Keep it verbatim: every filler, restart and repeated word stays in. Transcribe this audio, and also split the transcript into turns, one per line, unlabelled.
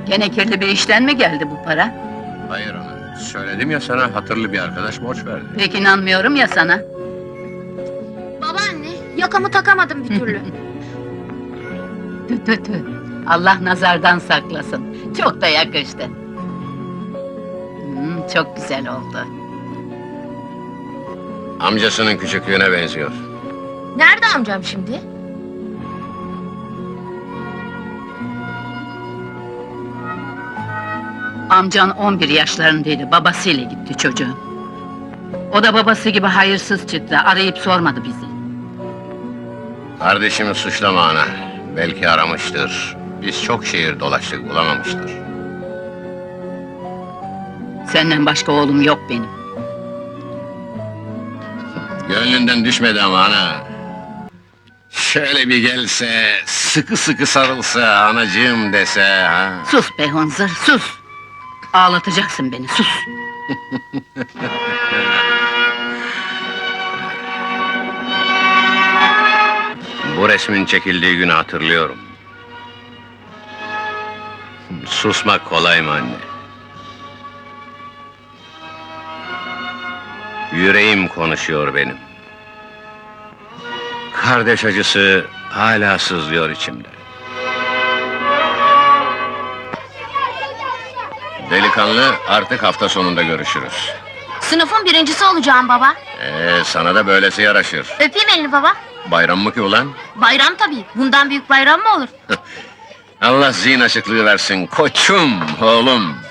Gene kirli bir işten mi geldi bu para?
Hayır ana, söyledim ya sana, hatırlı bir arkadaş borç verdi.
Pek inanmıyorum ya sana.
Babaanne, yakamı takamadım bir türlü.
Tü tü tü. Allah nazardan saklasın. Çok da yakıştı. Hmm, çok güzel oldu.
Amcasının küçüklüğüne benziyor.
Nerede amcam şimdi?
Amcan on bir yaşlarındaydı, babasıyla gitti çocuğun. O da babası gibi hayırsız çıktı, arayıp sormadı bizi.
Kardeşimi suçlama ana, belki aramıştır. Biz çok şehir dolaştık, bulamamıştır.
Senden başka oğlum yok benim.
Gönlünden düşmedi ama ana. Şöyle bir gelse, sıkı sıkı sarılsa, anacığım dese ha.
Sus be hınzır, sus! Ağlatacaksın beni, sus!
Bu resmin çekildiği günü hatırlıyorum. Susmak kolay mı anne? Yüreğim konuşuyor benim. Kardeş acısı hala sızlıyor içimde. Delikanlı, artık hafta sonunda görüşürüz.
Sınıfın birincisi olacağım baba.
Ee, sana da böylesi yaraşır.
Öpeyim elini baba.
Bayram mı ki ulan?
Bayram tabii. Bundan büyük bayram mı olur?
Allah zihin açıklığı versin, koçum, oğlum.